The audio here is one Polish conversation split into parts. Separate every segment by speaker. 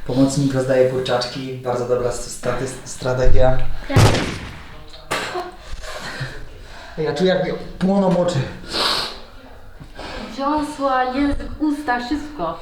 Speaker 1: Pomocnik rozdaje kurczaczki, bardzo dobra strategia. Ja czuję, jak mi płoną oczy.
Speaker 2: Dziąsła, język, usta, wszystko.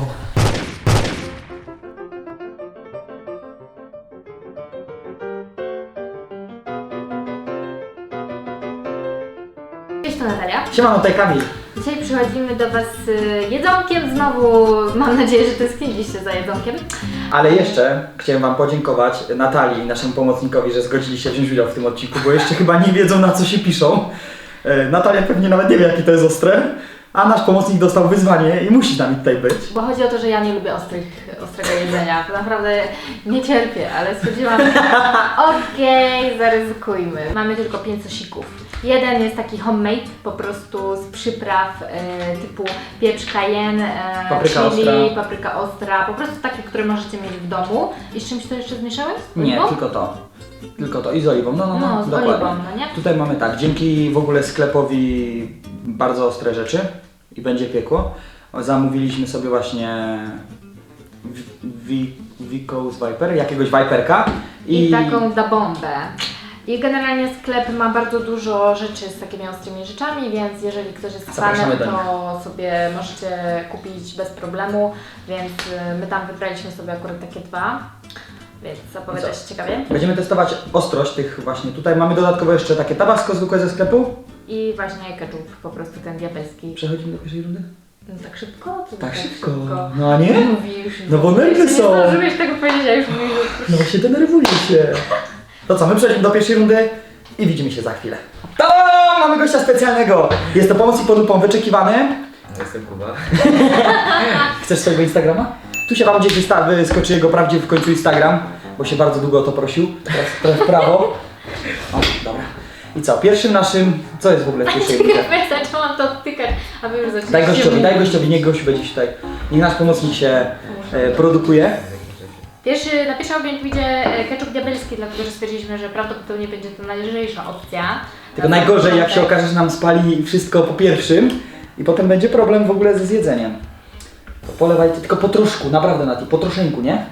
Speaker 2: Cześć, to Natalia.
Speaker 1: Siemano, tutaj Kamil.
Speaker 2: Dzisiaj przychodzimy do Was z jedzonkiem. Znowu mam nadzieję, że tęskniliście za jedzonkiem.
Speaker 1: Ale jeszcze chciałem Wam podziękować Natalii, naszemu pomocnikowi, że zgodzili się wziąć udział w tym odcinku, bo jeszcze chyba nie wiedzą, na co się piszą. Natalia pewnie nawet nie wie, jakie to jest ostre, a nasz pomocnik dostał wyzwanie i musi z nami tutaj być.
Speaker 2: Bo chodzi o to, że ja nie lubię ostrego jedzenia. To naprawdę nie cierpię, ale stwierdziłam, okej, zaryzykujmy. Mamy tylko 5 sosików. Jeden jest taki homemade, po prostu z przypraw typu pieprz cayenne,
Speaker 1: Papryka
Speaker 2: chili,
Speaker 1: ostra.
Speaker 2: papryka ostra, po prostu takie, które możecie mieć w domu. I z czymś to jeszcze zmieszałeś? Z
Speaker 1: Nie,
Speaker 2: oliwą?
Speaker 1: tylko to. Tylko to i z oliwą,
Speaker 2: No, z
Speaker 1: dokładnie.
Speaker 2: oliwą, no nie?
Speaker 1: Tutaj mamy tak, dzięki w ogóle sklepowi bardzo ostre rzeczy i będzie piekło. Zamówiliśmy sobie właśnie Vicos Viper, jakiegoś Viperka
Speaker 2: I taką da bombę. I generalnie sklep ma bardzo dużo rzeczy z takimi ostrymi rzeczami, więc jeżeli ktoś jest fanem,
Speaker 1: Zapraszamy do
Speaker 2: to sobie możecie kupić bez problemu, więc my tam wybraliśmy sobie akurat takie dwa, więc zapowiada się ciekawie.
Speaker 1: Będziemy testować ostrość tych właśnie. Tutaj mamy dodatkowo jeszcze takie tabasco zwykłe ze sklepu.
Speaker 2: I właśnie ketchup, po prostu ten diabelski.
Speaker 1: Przechodzimy do pierwszej rundy?
Speaker 2: No tak szybko? Co
Speaker 1: Tak szybko. No a nie?
Speaker 2: Mówisz.
Speaker 1: No bo nerwy są.
Speaker 2: Nie zdążyłeś tego powiedzieć, a już mówisz.
Speaker 1: No właśnie denerwuję się. To co, my przechodzimy do pierwszej rundy i widzimy się za chwilę. To mamy gościa specjalnego. Jest to pomocnik pod lupą wyczekiwany.
Speaker 3: Jestem Kuba.
Speaker 1: Chcesz swojego Instagrama? Tu się Wam gdzieś wyskoczy jego prawdziwy w końcu Instagram, bo się bardzo długo o to prosił. Teraz w prawo. O, dobra. I co? Pierwszym naszym... Co jest w ogóle w pierwszej rundzie?
Speaker 2: Ja zaczęłam to odtykać, a wy już zaczęliście
Speaker 1: Daj gościowi, niech gość będzie tutaj. Niech nasz pomocnik się produkuje.
Speaker 2: Na pierwszym objęciu idzie ketchup diabelski, dlatego że stwierdziliśmy, że prawdopodobnie będzie to najlżejsza opcja.
Speaker 1: Tylko najgorzej, jak się okaże, że nam spali wszystko po pierwszym i potem będzie problem w ogóle ze zjedzeniem. To polewajcie tylko po troszku, naprawdę Nati, po troszynku, nie?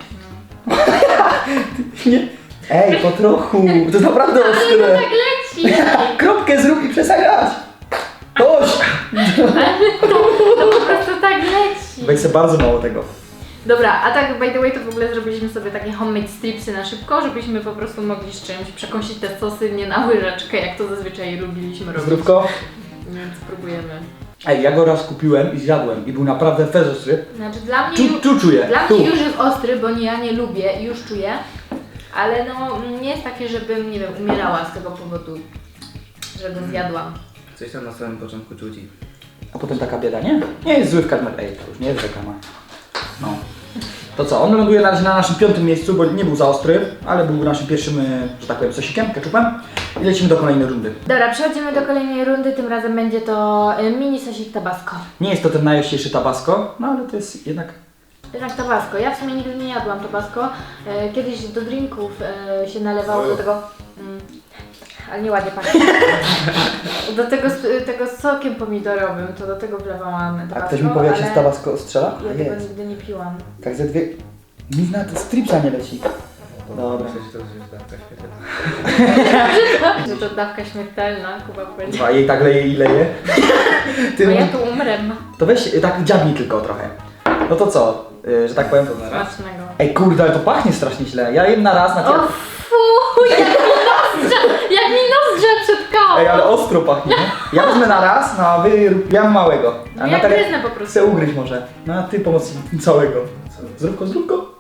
Speaker 1: Nie. Ej, po trochu, to jest naprawdę
Speaker 2: Ale
Speaker 1: ostre.
Speaker 2: to tak leci!
Speaker 1: Kropkę zrób i przestań grać. Dość.
Speaker 2: To po prostu tak leci!
Speaker 1: Weź sobie bardzo mało tego.
Speaker 2: Dobra, a tak by the way to w ogóle zrobiliśmy sobie takie homemade stripsy na szybko, żebyśmy po prostu mogli z czymś przekąsić te sosy nie na łyżeczkę, jak to zazwyczaj lubiliśmy robić.
Speaker 1: Zdrówko.
Speaker 2: Więc spróbujemy.
Speaker 1: Ej, ja go raz kupiłem i zjadłem i był naprawdę fez ostry.
Speaker 2: Znaczy dla mnie,
Speaker 1: Tu czuję.
Speaker 2: dla
Speaker 1: Tu.
Speaker 2: mnie już jest ostry, bo ja nie lubię i już czuję, ale no nie jest takie, żebym, nie wiem, umierała z tego powodu, że go zjadłam.
Speaker 3: Coś tam na samym początku czuć i...
Speaker 1: A potem taka bieda, nie? Nie jest zły w karmel. Ej, to już nie jest reklama. No. To co, on ląduje na razie na naszym 5. miejscu, bo nie był za ostry, ale był naszym pierwszym, że tak powiem, sosikiem, ketchupem. I lecimy do kolejnej rundy.
Speaker 2: Dobra, przechodzimy do kolejnej rundy, tym razem będzie to mini sosik tabasco.
Speaker 1: Nie jest to ten najościejszy tabasco, no ale to jest jednak...
Speaker 2: Jednak tabasco. Ja w sumie nigdy nie jadłam tabasco. Kiedyś do drinków się nalewało do tego... ale nieładnie pachnie. Do tego sokiem pomidorowym, to do tego wlewałam tabasco.
Speaker 1: A ktoś mi powie, jak się z tabasco strzela?
Speaker 2: Ja
Speaker 1: A
Speaker 2: tego
Speaker 1: jest.
Speaker 2: nigdy nie piłam.
Speaker 1: Tak ze dwie... Nic na to stripsa nie leci. Dobra.
Speaker 3: Myślę, że to jest dawka świetna.
Speaker 2: Że to dawka śmiertelna, Kuba powiedział.
Speaker 1: A jej tak leje i leje.
Speaker 2: Bo ja tu umrę.
Speaker 1: To weź tak dziabnij tylko trochę. No to co, że tak powiem...
Speaker 2: Smacznego.
Speaker 1: Ej kurde, ale to pachnie strasznie źle. Ja jem na raz na
Speaker 2: O fuuu, jak mi nozdrze przetkało.
Speaker 1: Ej, ale ostro pachnie. Ja wezmę na raz, no a ja mam małego.
Speaker 2: No ja gryznę po prostu.
Speaker 1: Chcę ugryźć może. No a ty pomoc całego. Zróbko.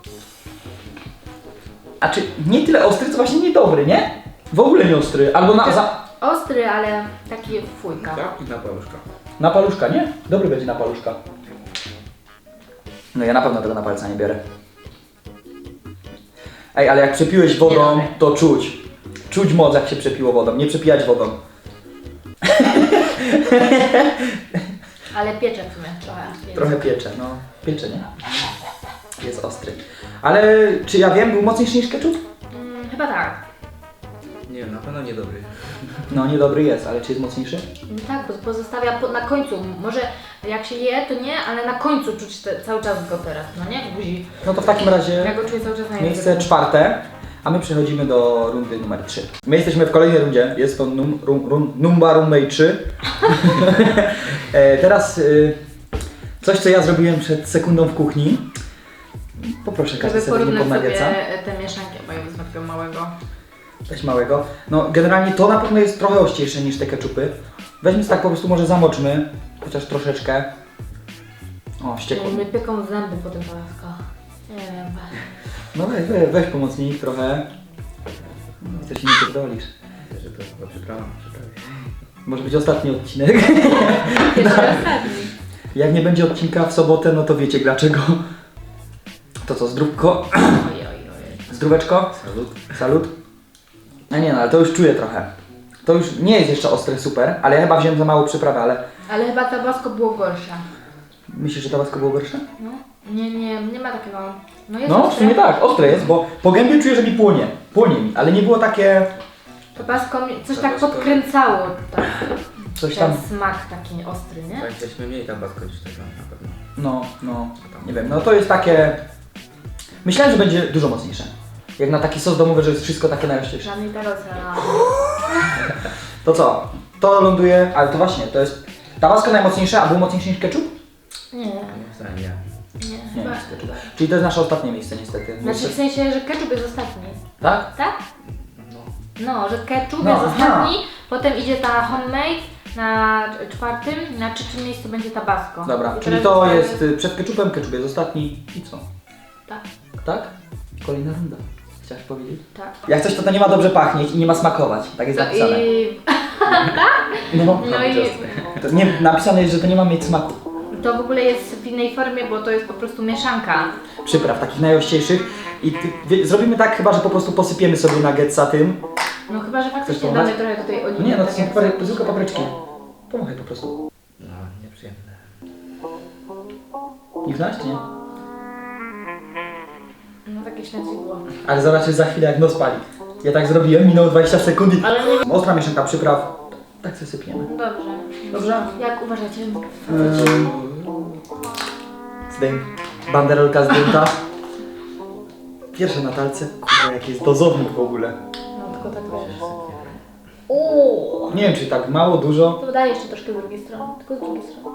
Speaker 1: A czy nie tyle ostry, co właśnie niedobry, nie? W ogóle nie ostry. Albo
Speaker 2: Ostry, ale taki fujka.
Speaker 3: Tak? I na paluszka.
Speaker 1: na paluszka, nie? Dobry będzie na paluszka. No ja na pewno tego na palca nie biorę. Ej, ale jak przepiłeś wodą,
Speaker 2: Nie
Speaker 1: to czuć. Czuć moc, jak się przepiło wodą. Nie przepijać wodą.
Speaker 2: Ale piecze w sumie trochę.
Speaker 1: Trochę piecze, no. Piecze, nie? Jest ostry. Ale czy ja wiem, był mocniejszy niż ketchup?
Speaker 2: Chyba tak.
Speaker 3: Nie wiem, na pewno niedobry.
Speaker 1: No niedobry jest, ale czy jest mocniejszy?
Speaker 2: Tak, bo pozostawia na końcu. Może jak się je, to nie, ale na końcu czuć cały czas go teraz, no nie? W buzi.
Speaker 1: No to w takim razie
Speaker 2: Ja go czuję cały czas na
Speaker 1: miejsce
Speaker 2: języku.
Speaker 1: 4, a my przechodzimy do rundy numer 3. My jesteśmy w kolejnej rundzie, jest to Numba Rumbay 3. Teraz coś, co ja zrobiłem przed sekundą w kuchni. Poproszę każdy
Speaker 2: Żeby
Speaker 1: sobie nie
Speaker 2: porównać sobie
Speaker 1: podnawieca.
Speaker 2: te mieszanki, bo ja wezmę takiego małego.
Speaker 1: Weź małego. No generalnie to na pewno jest trochę ościejsze niż te keczupy. Weźmy tak po prostu może zamoczmy, chociaż troszeczkę. O, ściekło.
Speaker 2: Mnie pieką zęby po tym Tabasco. Nie wiem.
Speaker 1: No weź pomocnik trochę. No, coś mi nie pierdolisz.
Speaker 3: Że to chyba przyprawa.
Speaker 1: Może być ostatni odcinek.
Speaker 2: Pierwszy ostatni.
Speaker 1: Jak nie będzie odcinka w sobotę, no to wiecie dlaczego. To co, zdrówko?
Speaker 2: Ojej.
Speaker 1: Zdróweczko?
Speaker 3: Salut.
Speaker 1: Salut. No nie no, ale to już czuję trochę. To już nie jest jeszcze ostre super, ale ja chyba wziąłem za mało przyprawy, ale...
Speaker 2: Ale chyba Tabasco było gorsze.
Speaker 1: Myślisz, że tabasco było gorsze?
Speaker 2: No. Nie ma takiego. No jest
Speaker 1: No, w
Speaker 2: ostre.
Speaker 1: sumie tak, ostre jest, bo po gębie czuję, że mi płonie. Płonie mi, ale nie było takie...
Speaker 2: Tabasco coś tak
Speaker 3: Tabasco-
Speaker 2: podkręcało. Tak.
Speaker 1: Coś tam...
Speaker 2: Ten smak taki ostry, nie?
Speaker 3: Tak, weźmy mniej tabasco niż tego na pewno.
Speaker 1: No, nie wiem, no to jest takie... Myślałem, że będzie dużo mocniejsze. Jak na taki sos domowy, że jest wszystko takie najościejsze.
Speaker 2: Żadnej tarosa.
Speaker 1: To co? To ląduje, ale to właśnie, to jest... Tabasco najmocniejsze, a był mocniejszy niż ketchup?
Speaker 2: Nie.
Speaker 3: Moim zdaniem nie.
Speaker 2: Nie,
Speaker 1: Nie,
Speaker 2: chyba.
Speaker 1: jest ketchup. Czyli to jest nasze ostatnie miejsce niestety.
Speaker 2: Znaczy w sensie, że ketchup jest ostatni.
Speaker 1: Tak?
Speaker 2: Tak?
Speaker 3: No.
Speaker 2: No, że ketchup
Speaker 1: No,
Speaker 2: jest
Speaker 1: aha.
Speaker 2: ostatni, potem idzie ta homemade na 4, na 3 miejscu będzie Tabasco.
Speaker 1: Dobra,
Speaker 2: I
Speaker 1: czyli
Speaker 2: teraz
Speaker 1: to
Speaker 2: zostaje-
Speaker 1: jest przed ketchupem, ketchup jest ostatni i co?
Speaker 2: Tak,
Speaker 1: Tak? Kolejna runda. Chciałaś powiedzieć?
Speaker 2: tak.
Speaker 1: Jak coś to nie ma dobrze pachnieć i nie ma smakować. Tak jest napisane. No,
Speaker 2: No i
Speaker 1: to nie, napisane jest, że to nie ma mieć smaku.
Speaker 2: to w ogóle jest w innej formie, bo to jest po prostu mieszanka.
Speaker 1: Przypraw takich najościejszych i zrobimy tak chyba, że po prostu posypiemy sobie nuggetsa tym.
Speaker 2: No chyba, że faktycznie
Speaker 1: Chcesz pomachać?
Speaker 2: damy trochę tutaj oliwy.
Speaker 1: Nie no, to
Speaker 2: tak
Speaker 1: są
Speaker 2: jak
Speaker 1: zwykłe papryczki. Pomachaj po prostu.
Speaker 3: No, nieprzyjemne.
Speaker 1: Nie znasz, czy nie?
Speaker 2: No takie śmierdźidło.
Speaker 1: Ale zobaczysz za chwilę jak nos pali. Ja tak zrobiłem, minęło 20 sekund i...
Speaker 2: Ale nie...
Speaker 1: Ostra mieszanka przypraw. Tak sobie sypiemy.
Speaker 2: Dobrze.
Speaker 1: Dobrze?
Speaker 2: Jak uważacie?
Speaker 1: Zdejm. Banderolka zdjęta. Pierwsze na talce. Kurwa, jaki jest dozownik w ogóle.
Speaker 2: No tylko tak wiesz. Uuu.
Speaker 1: Nie wiem, czy tak mało, dużo.
Speaker 2: To daj jeszcze troszkę z drugiej strony, tylko z drugiej strony.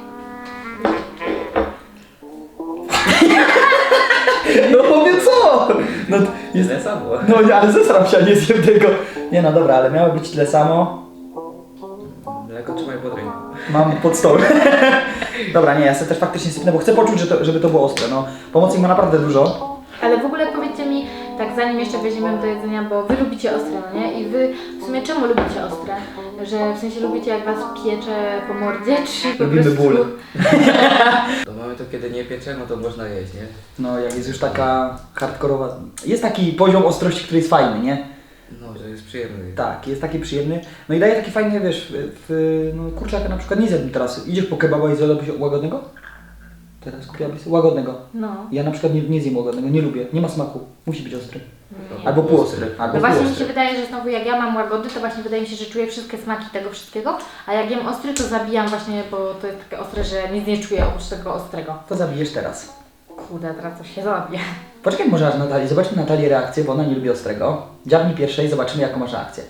Speaker 1: No powie co? No, jest...
Speaker 3: Tyle samo.
Speaker 1: no ale zesram się, a nie zjem tego. Nie no dobra, ale miało być tyle samo.
Speaker 3: Mleko trzymaj pod ręką.
Speaker 1: Mam pod stołem. Dobra, nie, ja sobie też faktycznie sypnę, bo chcę poczuć, żeby to było ostre. No, pomocnik ma naprawdę dużo.
Speaker 2: Ale w ogóle powiedzcie mi, tak zanim jeszcze weźmiemy do jedzenia, bo wy lubicie ostre, no nie? I wy w sumie czemu lubicie ostre? Że w sensie lubicie jak was piecze po mordzie, czy po
Speaker 1: Lubimy
Speaker 2: prostu...
Speaker 1: ból.
Speaker 3: To mamy to kiedy nie piecze, no to można jeść, nie?
Speaker 1: No, jak jest już taka hardkorowa... Jest taki poziom ostrości, który jest fajny, nie?
Speaker 3: No, że jest przyjemny.
Speaker 1: Tak, jest taki przyjemny. No i daje taki fajny, wiesz, no kurczaka na przykład nie zjadł teraz. Idziesz po kebaba i zjadłbyś łagodnego? Teraz kupiłabyś sobie łagodnego.
Speaker 2: No.
Speaker 1: Ja na przykład nie zjem łagodnego, nie lubię. Nie ma smaku. Musi być ostry.
Speaker 2: Nie.
Speaker 1: Albo półostry. Albo
Speaker 2: No właśnie mi się
Speaker 1: półostry.
Speaker 2: wydaje, że znowu jak ja mam łagody, to właśnie wydaje mi się, że czuję wszystkie smaki tego wszystkiego, a jak jem ostry, to zabijam właśnie, bo to jest takie ostre, że nic nie czuję oprócz tego ostrego.
Speaker 1: To zabijesz teraz.
Speaker 2: Kurde, teraz coś się zabije.
Speaker 1: Poczekaj może aż Natalii. Zobaczmy Natalii reakcję, bo ona nie lubi ostrego. Dziabnij pierwszej, zobaczymy jaką masz reakcję.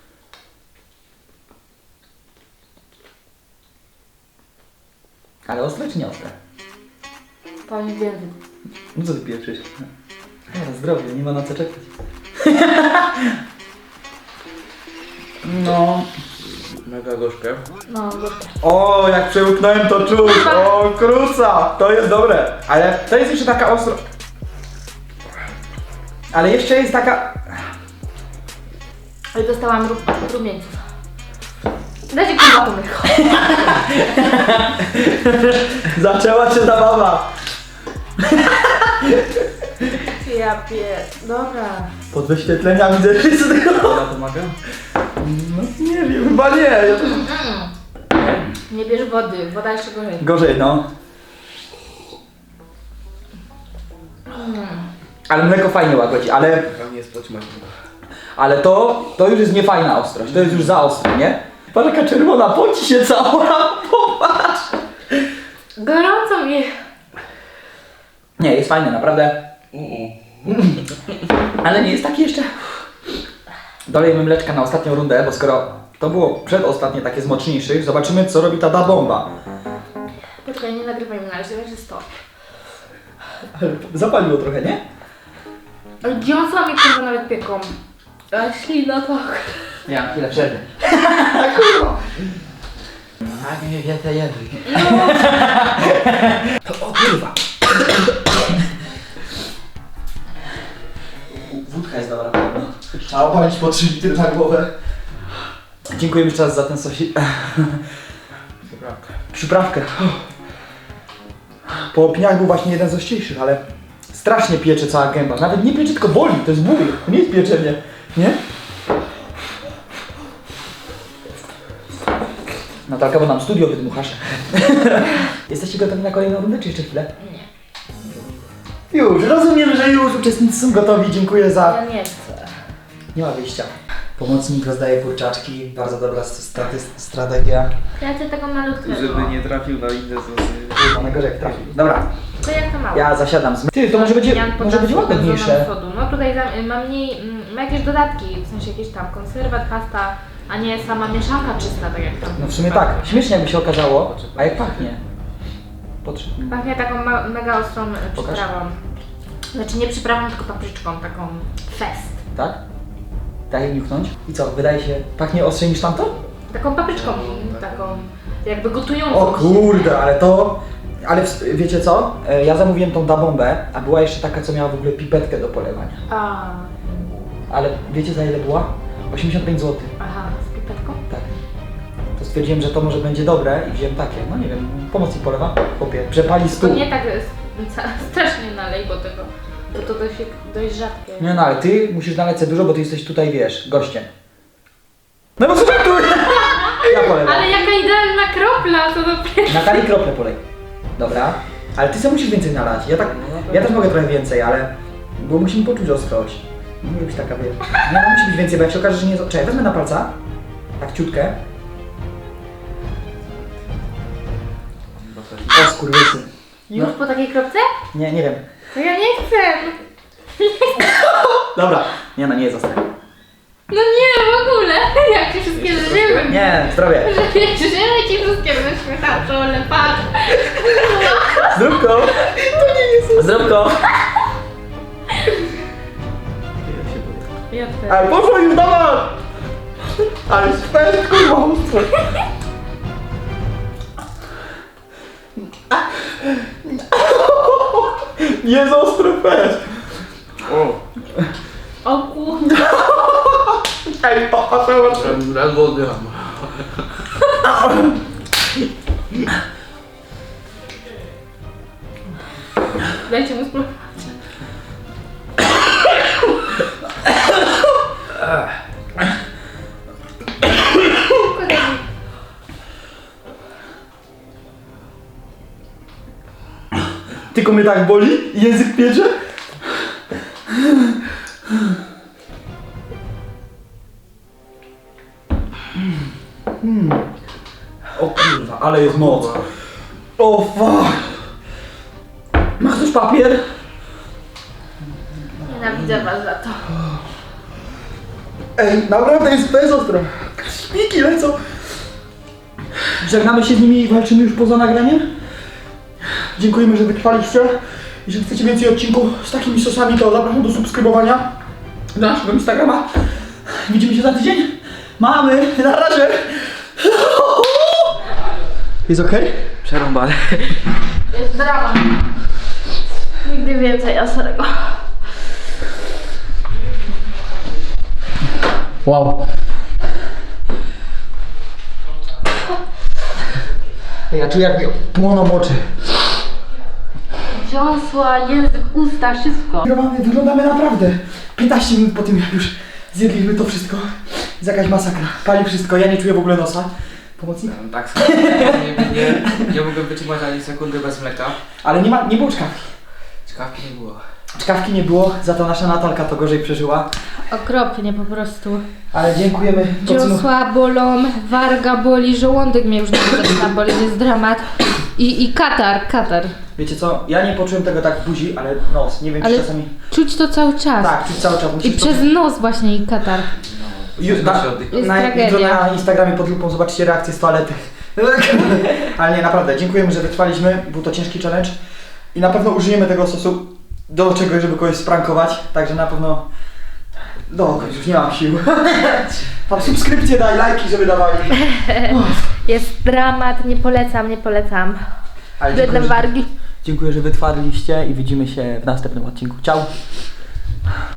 Speaker 1: Ale ostre czy nie ostre?
Speaker 2: Pani więcej.
Speaker 1: No co ty pieprzysz? Dobra, zdrowie, nie ma na co czekać. No.
Speaker 3: Mega gorzkie.
Speaker 2: No, gorzkie.
Speaker 1: O, jak przełknąłem to czuć. O, kruca. To jest dobre. Ale to jest jeszcze taka ostro... Ale jeszcze jest taka...
Speaker 2: Ale dostałam rumieńców. Dajcie kurwa to mleko.
Speaker 1: Zaczęła się zabawa.
Speaker 2: Ja Dobra.
Speaker 1: Pod wyświetleniami ze wszystkiego.
Speaker 3: Ona pomaga?
Speaker 1: No nie wiem, chyba nie. Ja też...
Speaker 2: Nie bierz wody, woda jeszcze gorzej.
Speaker 1: Gorzej, no. Ale mleko fajnie łagodzi, ale...
Speaker 3: Dla mnie jest poćmać.
Speaker 1: Ale to już jest niefajna ostrość, to jest już za ostre, nie? Patrz jaka czerwona, poci się cała, popatrz!
Speaker 2: Gorąco mi.
Speaker 1: Nie, jest fajny, naprawdę. Ale nie jest taki jeszcze. Dolejmy mleczka na ostatnią rundę, bo skoro to było przedostatnie takie z mocniejszych, zobaczymy co robi ta da bomba.
Speaker 2: Poczekaj, nie nagrywaj mi na razie, że stop.
Speaker 1: Zapaliło trochę, nie?
Speaker 2: Ale dziąsła mi kurwa nawet pieką. A ślina tak.
Speaker 1: Ja mam chwilę przerwy. Kurwa! Tak mnie więcej jedy. O kurwa! Wódka jest dobra. Trzeba opalić po 3 litry na głowę. Dziękuję jeszcze raz za ten sosik. Przyprawkę. Po opiniach był właśnie jeden z ostrzejszych, ale strasznie piecze cała gęba. Nawet nie piecze, tylko boli. To jest ból. To nie jest pieczenie. Nie? Natalka, bo nam studio wydmuchasz. Jesteście gotowi na kolejną rundę, czy jeszcze chwilę?
Speaker 2: Nie.
Speaker 1: Już, rozumiem, że już uczestnicy są gotowi. Dziękuję za...
Speaker 2: Ja nie chcę.
Speaker 1: Nie ma wyjścia. Pomocnik rozdaje kurczaczki. Bardzo dobra strategia.
Speaker 2: Ja chcę tego malutkiego.
Speaker 3: Żeby nie trafił na inne sosy.
Speaker 1: Kurwa, najgorzej jak trafi. Dobra,
Speaker 2: To jak to mało?
Speaker 1: ja zasiadam z... Ty, to może będzie łagodniejsze.
Speaker 2: No tutaj ma mniej, ma jakieś dodatki, w sensie jakieś tam konserwat, pasta, a nie sama mieszanka czysta, tak jak tam.
Speaker 1: No w sumie tak, śmiesznie jakby się okazało. A jak pachnie? Potrzebny.
Speaker 2: Pachnie taką mega ostrą
Speaker 1: Pokaż.
Speaker 2: przyprawą. Znaczy nie przyprawą, tylko papryczką, taką fest.
Speaker 1: Tak? Daj niuchnąć. I co, wydaje się, pachnie ostrzej niż tamto?
Speaker 2: Taką papryczką, taką jakby gotującą.
Speaker 1: O kurde, ale to... Ale wiecie co? Ja zamówiłem tą da bombę, a była jeszcze taka, co miała w ogóle pipetkę do polewania.
Speaker 2: A,
Speaker 1: Ale wiecie za ile była? 85 zł.
Speaker 2: aha, z pipetką?
Speaker 1: Tak. To stwierdziłem, że to może będzie dobre i wziąłem takie. No nie wiem, pomocnik polewa. Chłopie, przepali
Speaker 2: To
Speaker 1: stół.
Speaker 2: nie tak strasznie nalej, bo tego, bo to dość rzadkie.
Speaker 1: Nie no, ale ty musisz nalać sobie dużo, bo ty jesteś tutaj, wiesz, gościem. No bo co tu? Ja polewam.
Speaker 2: Ale jaka idealna kropla, to dopiero.
Speaker 1: Natalii krople polej. Dobra. Ale ty sobie musisz więcej nalać. Ja też mogę trochę więcej, ale... Bo musimy poczuć ostrość. Nie może być taka, wiesz... Nie, no musi być więcej, bo jak się okaże, że nie jest... Czekaj, wezmę na palca. Tak ciutkę. O skurwysy.
Speaker 2: Już po takiej kropce?
Speaker 1: Nie, nie wiem.
Speaker 2: To ja nie chcę.
Speaker 1: Dobra. Nie no, nie jest ostre.
Speaker 2: No nie, w ogóle. Jak ci wszystkie żyły.
Speaker 1: Nie, zdrowie.
Speaker 2: Żyły ci wszystkie wyśmietacze, ale patrz.
Speaker 1: Zdrówko. To nie jest ostre. Zdrówko.
Speaker 2: Ja chcę.
Speaker 1: Ale poszło już, dawaj! Ale spęd, kurwa, ostro. Jest ostry fest.
Speaker 2: O kurde.
Speaker 1: Ej, popatrz.
Speaker 3: Ledwo oddycham.
Speaker 2: Dajcie mu spróbować.
Speaker 1: Tylko mnie tak boli? Język piecze? O kurwa, ale jest moc. O fuck. Masz też papier?
Speaker 2: Nienawidzę was za to.
Speaker 1: Ej, naprawdę to jest ostro. Śpiki lecą. Żegnamy się z nimi i walczymy już poza nagraniem. Dziękujemy, że wytrwaliście. Jeżeli chcecie więcej odcinków z takimi sosami, to zapraszam do subskrybowania do naszego Instagrama. Widzimy się za tydzień. Mamy, na razie. Jest okej?
Speaker 3: Przerąbane.
Speaker 2: Jest drama. Nigdy więcej ostrego.
Speaker 1: Wow. Ja czuję, jak mi płoną oczy.
Speaker 2: Dziąsła, język, usta, wszystko.
Speaker 1: Wyglądamy naprawdę 15 minut po tym, jak już zjedliśmy to wszystko. Jest jakaś masakra. Pali wszystko, ja nie czuję w ogóle nosa. Pomocnik?
Speaker 3: Tak, nie mogłem wytrzymać ani sekundy bez mleka.
Speaker 1: Ale nie było czkawki.
Speaker 3: Czkawki nie było.
Speaker 1: Czkawki nie było, za to nasza Natalka to gorzej przeżyła.
Speaker 2: Okropnie po prostu.
Speaker 1: Ale dziękujemy.
Speaker 2: Dziosła bolą, warga boli, żołądek mnie już zaczyna boleć, jest dramat. I katar.
Speaker 1: Wiecie co, ja nie poczułem tego tak w buzi, ale nos, nie wiem czy
Speaker 2: Ale
Speaker 1: czasami...
Speaker 2: czuć to cały czas.
Speaker 1: Tak, czuć cały czas.
Speaker 2: I
Speaker 1: Musisz
Speaker 2: przez nos właśnie i katar.
Speaker 1: Jutro
Speaker 2: Jest
Speaker 1: na
Speaker 2: tragedia.
Speaker 1: Instagramie pod lupą zobaczycie reakcję z toalety. Ale nie, naprawdę, dziękujemy, że wytrwaliśmy. Był to ciężki challenge. I na pewno użyjemy tego sosu do czegoś, żeby kogoś sprankować. Także na pewno... już nie mam sił. Tam subskrypcje daj, lajki, żeby dawali.
Speaker 2: Jest dramat, nie polecam.
Speaker 1: Ale
Speaker 2: Biedne wargi.
Speaker 1: dziękuję, że wytwarliście i widzimy się w następnym odcinku. Ciao!